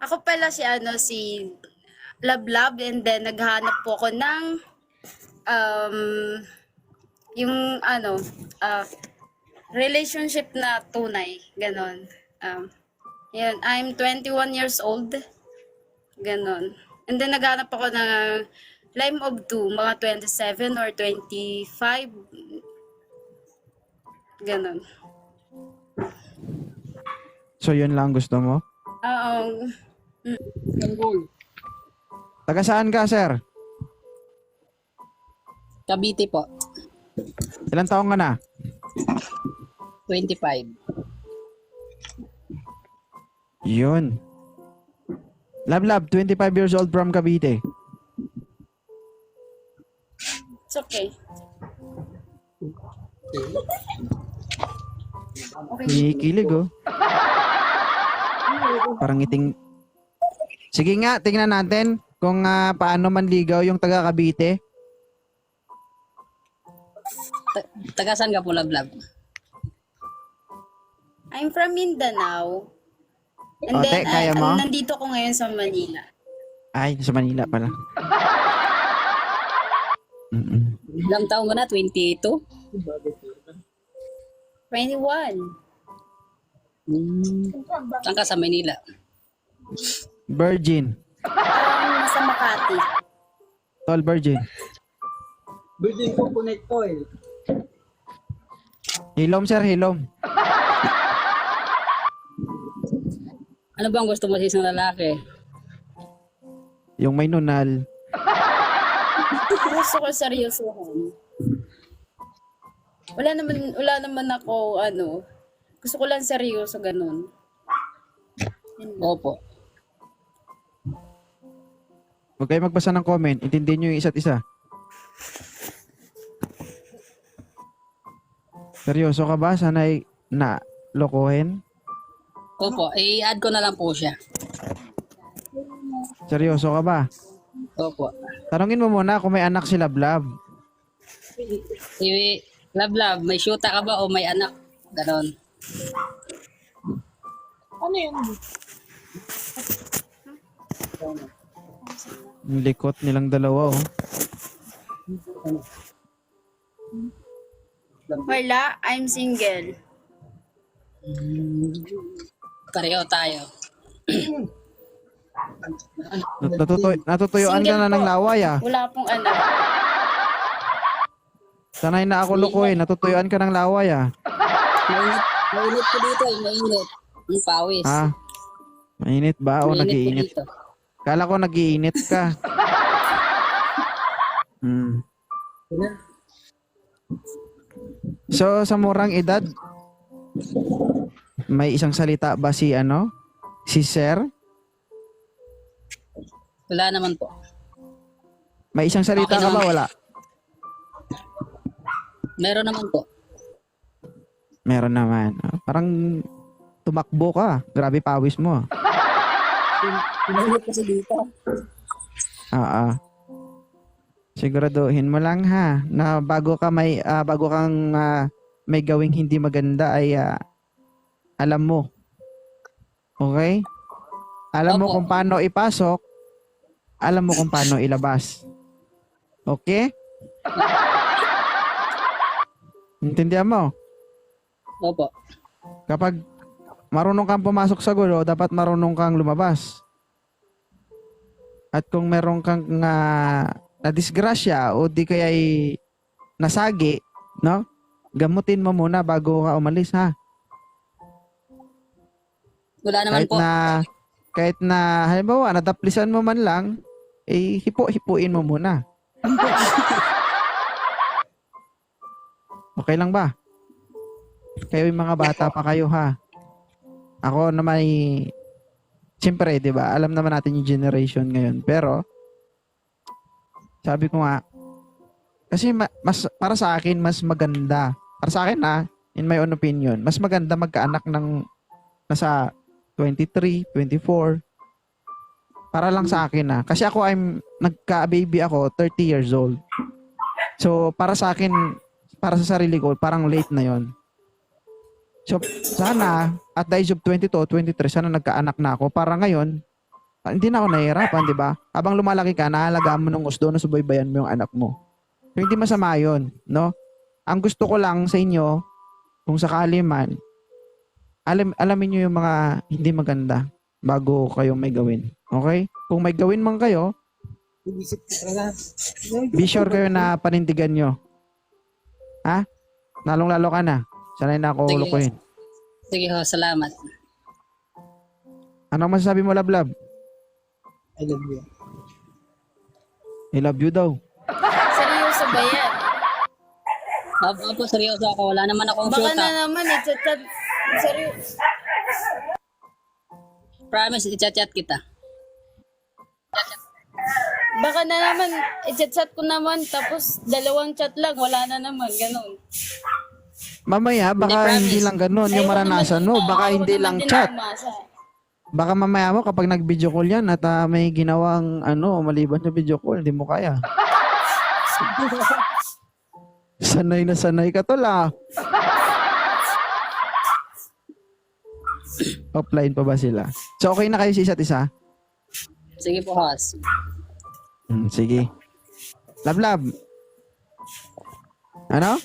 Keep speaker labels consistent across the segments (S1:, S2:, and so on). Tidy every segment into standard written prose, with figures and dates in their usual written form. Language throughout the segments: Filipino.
S1: Ako pala si Lablab, and then naghahanap po ako ng um, yung relationship na tunay, ganon. Yun, I'm 21 years old, ganon. And then naghahanap ako ng Lime of 2, mga 27 or 25, ganon.
S2: So, yun lang gusto mo?
S1: Oo.
S2: Taga saan ka, sir?
S3: Cavite po.
S2: Ilang taong ka na?
S3: 25.
S2: Yun. Lab, 25 years old from Cavite.
S1: It's okay.
S2: Kikilig, oh. Parang iting... Sige nga, tingnan natin kung paano manligaw yung taga Cavite.
S3: Taga saan ka po, Lablab?
S1: I'm from Mindanao. And
S2: Ote,
S1: then,
S2: kaya mo?
S1: nandito ko ngayon sa Manila.
S2: Ay, sa Manila pala.
S3: Ilang taon ka na? 22?
S1: 21.
S3: Saan ka sa Manila?
S2: Virgin.
S1: Sa Makati.
S2: Tall virgin.
S4: Virgin coconut oil.
S2: Hilom, sir, hilom.
S3: Ano bang gusto mo sa isang lalaki?
S2: Yung may nunal.
S1: Gusto ko seryosohan. Wala naman ako, gusto ko lang seryoso, ganun.
S3: Opo.
S2: Huwag kayo magbasa ng comment. Intindihin nyo yung isa't isa. Seryoso ka ba? Sana'y na lokohin?
S3: Opo. I-add ko na lang po siya.
S2: Seryoso ka ba?
S3: Opo.
S2: Tanungin mo muna kung may anak si Lablab.
S3: Lablab, may syuta ka ba o may anak? Ganon.
S4: Ano yun?
S2: Yung likot nilang dalawa, oh.
S1: Wala, I'm single.
S3: Pareho tayo.
S2: Natutuyuan ka
S1: Single
S2: na ng
S1: po.
S2: laway, ah.
S1: Wala pong anak.
S2: Sanay na ako lukuhin. Natutuyuan ka ng laway, ah.
S3: Mainit po dito eh, mainit. Ang pawis.
S2: Ha? Mainit ba o
S3: Mainit po
S2: nagiinit?
S3: dito.
S2: Kala ko nagiinit ka. So, sa murang edad, may isang salita ba si Si Sir?
S3: Wala naman po.
S2: May isang salita
S3: Okay
S2: ka ba?
S3: naman.
S2: Wala.
S3: Meron naman po.
S2: Meron naman. Parang tumakbo ka. Grabe pawis mo.
S3: Mainit kasi dito.
S2: Siguraduhin mo lang ha na bago kang may gawing hindi maganda ay alam mo. Okay? Alam mo
S3: Opo.
S2: kung paano ipasok, alam mo kung paano ilabas. Okay? Intindihan mo?
S3: Opo.
S2: Kapag marunong kang pumasok sa gulo, dapat marunong kang lumabas. At kung meron kang na-disgrasya o di kaya'y nasagi, no? Gamutin mo muna bago ka umalis, ha?
S3: Wala naman po.
S2: Kahit na, halimbawa, nadaplisan mo man lang, hipo-hipuin mo muna. Okay lang ba? Kayo yung mga bata pa kayo, ha? Ako naman siyempre, di ba? Alam naman natin yung generation ngayon. Pero, sabi ko nga, kasi mas, para sa akin, mas maganda. Para sa akin, in my own opinion, mas maganda magkaanak ng nasa 23, 24. Para lang sa akin, Kasi ako, nagka-baby ako, 30 years old. So, para sa akin, para sa sarili ko, parang late na yon. So, sana, at the age of 22, 23, sana nagkaanak na ako. Para ngayon, hindi na ako nahihirapan, di ba? Habang lumalaki ka, nahalagaan mo ng gusto na subaybayan mo yung anak mo. So, hindi masama yun, no? Ang gusto ko lang sa inyo, kung sakali man, alamin nyo yung mga hindi maganda bago kayo may gawin. Okay? Kung may gawin man kayo,
S4: Ibisip ko talaga.
S2: be sure kayo na panindigan nyo. Ha? Lalong-lalo ka na. Sanay na ako
S3: Sige.
S2: lukuhin.
S3: Sige ho, salamat.
S2: Ano masasabi mo, Lablab?
S4: I love you.
S2: I love you daw.
S1: Seryoso ba yan?
S3: Opo, seryoso ako. Wala naman akong
S1: Baka
S3: shoota.
S1: na naman, i-chat. Seryoso.
S3: Promise, i-chat kita.
S1: Baka na naman, i-chat ko naman, tapos 2 chat lang, wala na naman, ganun.
S2: Mamaya, baka
S3: promise.
S2: hindi lang ganun yung maranasan mo. Baka hindi lang chat. Baka mamaya mo kapag nag-video call yan at may ginawang maliban sa video call, hindi mo kaya. Sanay na sanay ka to la. Offline pa ba sila? So okay na kayo sa isa't isa?
S3: Sige po, Has.
S2: Sige. Lablab. Ano?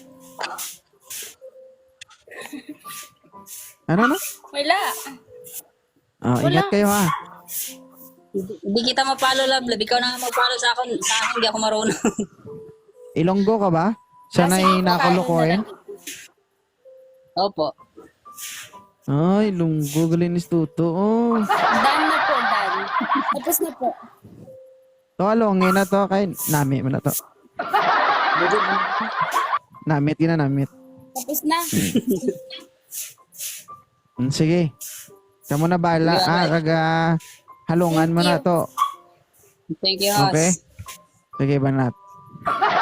S2: Ano?
S1: Wala.
S2: Oh, ingat kayo ha.
S3: Hindi kita mapalo, Lablab. Ikaw na nga magpalo sa akin. Sa akin, hindi ako marunong.
S2: Ilonggo ka ba? Sanay na kulukuhin?
S3: Opo.
S2: Ay, lunggo. Galinis tuto. Oh.
S1: Done na po, done. Tapos na po.
S2: To, alongin na to. Kay, namit mo na to. Namit, namit.
S1: Tapos na.
S2: Sige. Kamu na bala. Halungan mo na to.
S3: Thank you, Has.
S2: Okay? Sige, banat.